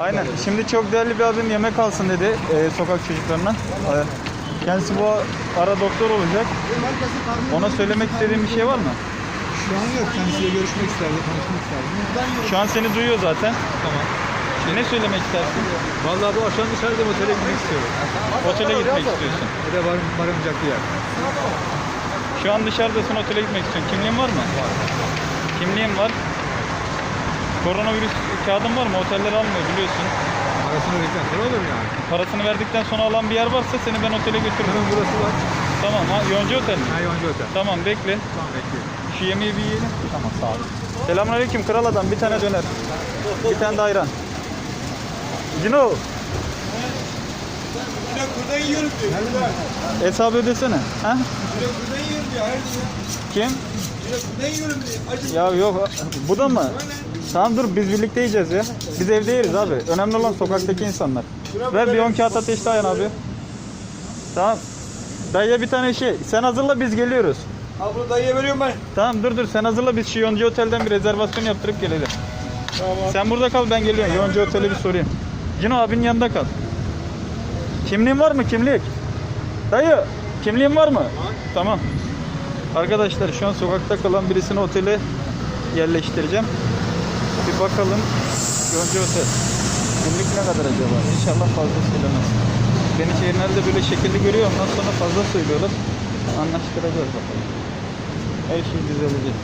Aynen. Şimdi çok değerli bir abim yemek alsın dedi sokak çocuklarına. Kendisi bu ara doktor olacak. Ona söylemek istediğin bir şey var mı? Şu an yok. Kendisiyle görüşmek isterdi, konuşmak isterdi. Şu an seni duyuyor zaten. Tamam. Ne söylemek istersin? Vallahi bu akşam dışarıda otele gitmek istiyorum. Otele gitmek istiyorsun. Bir de varılacak bir yer. Şu an dışarıdasın, otele gitmek istiyorsun. Kimliğin var mı? Var. Kimliğin var. Koronavirüs kağıdın var mı? Oteller almıyor biliyorsun. Parasını verdikten sonra olur yani. Parasını verdikten sonra alan bir yer varsa seni ben otele götürürüm. Bunun burası var. Tamam ha, Yonca Otel mi? Ha, Yonca Otel. Tamam bekle. Tamam, bekliyorum. Şu yemeği bir yiyelim. Tamam sağ ol. Selamünaleyküm kral adam. Bir tane döner. Bir tane de ayran. Cino. Direkt buradan yiyorum diyor. Hesabı ödesene. Ha? Direkt buradan yiyorum diyor. Hayır diyor. Kim? Direkt buradan yiyorum diyor. Acı. Ya yok. Bu da mı? Tamam dur biz birlikte yiyeceğiz ya. Biz evde yeriz abi. Önemli olan sokaktaki insanlar. Ver bir 10 kağıt ateşli ayran abi. Tamam. Dayıya bir tane şey. Sen hazırla biz geliyoruz. Al bunu dayıya veriyorum ben. Tamam dur sen hazırla biz şu Yonca Otel'den bir rezervasyon yaptırıp gelelim. Tamam. Sen burada kal ben geliyorum. Yonca Otel'e bir sorayım. Cino abinin yanında kal. Kimliğin var mı kimlik? Dayı kimliğin var mı? Tamam. Arkadaşlar şu an sokakta kalan birisini otele yerleştireceğim. Bir bakalım. Yonca Otel. Günlük ne kadar acaba? İnşallah fazla söylemez. Beni şehirlerde böyle şekilli görüyor. Ondan sonra fazla söylüyorlar. Anlaştıracağız bakalım. Her şey düzelecek.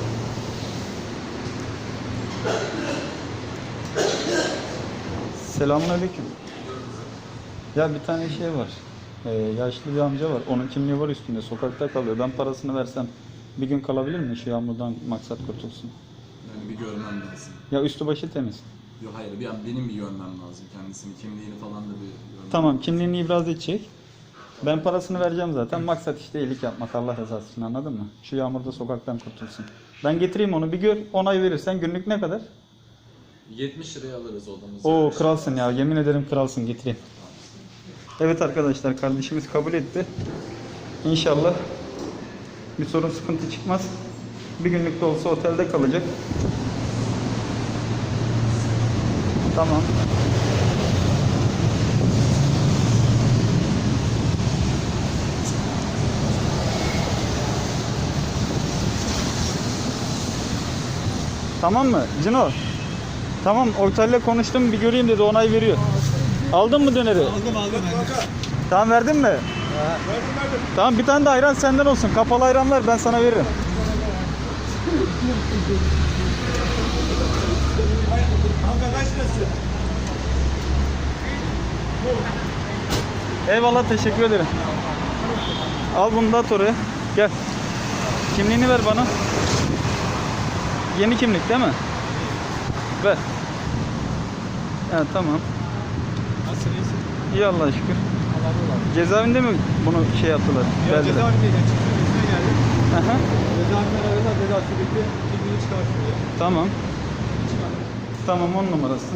Selamünaleyküm. Ya bir tane şey var. Yaşlı bir amca var. Onun kimliği var üstünde. Sokakta kalıyor. Ben parasını versem bir gün kalabilir mi? Şu yağmurdan maksat kurtulsun. Yani bir görmem lazım. Ya üstü başı temiz. Yok hayır, benim bir görmem lazım kendisini, kimliğini falan da bir görmem Tamam lazım. kimliğini ibraz edecek. Ben parasını vereceğim zaten. Maksat işte iyilik yapmak Allah rızası için anladın mı? Şu yağmurda sokaktan kurtulsun. Ben getireyim onu bir gör. Onay verirsen günlük ne kadar? 70 liraya alırız odamızı. Oo kralsın ya yemin ederim kralsın getireyim. Evet arkadaşlar kardeşimiz kabul etti. İnşallah bir sorun sıkıntı çıkmaz. Bir günlük de olsa otelde kalacak. Tamam. Tamam mı Cino? Tamam otelle konuştum bir göreyim dedi onay veriyor. Aldın mı döneri? Aldım. Tamam verdin mi? Verdim. Tamam bir tane de ayran senden olsun. Kapalı ayranlar ben sana veririm. Kanka kaç lirası? Eyvallah teşekkür ederim. Al bunu da at oraya. Gel. Kimliğini ver bana. Yeni kimlik değil mi? Ver. Evet tamam. Nasılsın, iyisin? İyi Allah'a şükür. Allah razı olsun. Cezaevinde mi bunu şey yaptılar? Ya Verdiler. cezaevindeyken çıktım, izine geldim. Aha. Cezaevinden aradılar, cezası bitti. Kimliğini çıkarsın diye. Tamam. Çıkardım. Tamam 10 numarası.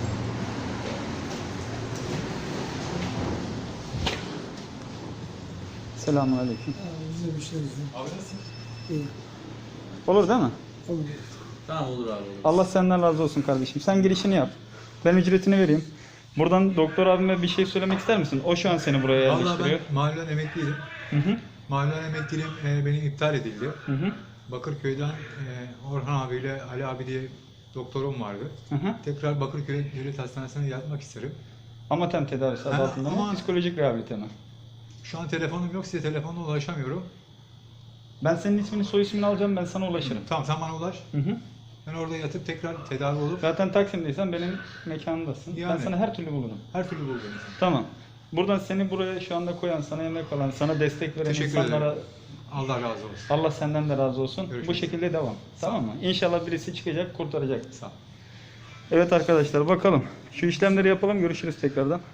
Selamünaleyküm. Bize bir şey yok. Abi nasıl? Olur değil mi? Tamam olur abi olur. Allah senden razı olsun kardeşim. Sen girişini yap. Ben ücretini vereyim. Buradan doktor abime bir şey söylemek ister misin? O şu an seni buraya Vallahi yerleştiriyor. ben mahallen emekliydim. Hı hı. Mahallen emekliliğim benim iptal edildi. Hı hı. Bakırköy'den Orhan abiyle Ali abi diye doktorum vardı. Hı hı. Tekrar Bakırköy Devlet Hastanesi'ne yatmak isterim. Amatem tedavisi adı Ha, altında mı? ama- Psikolojik rehabilite mi? Şu an telefonum yok, size telefonla ulaşamıyorum. Ben senin ismini soy ismini alacağım ben sana ulaşırım. Tamam, sen bana ulaş. Hı hı. Ben orada yatıp tekrar tedavi olup Zaten Taksim'deysen benim mekanımdasın. Ben Yani. sana her türlü bulurum. her türlü bulurum. Tamam. Buradan seni buraya şu anda koyan, sana yemek alan, sana destek veren Teşekkür insanlara ederim. Allah razı olsun. Allah senden de razı olsun. Görüşürüz. Bu şekilde devam. Tamam mı? İnşallah birisi çıkacak, kurtaracak. Sağ ol. Evet arkadaşlar bakalım. Şu işlemleri yapalım. Görüşürüz tekrardan.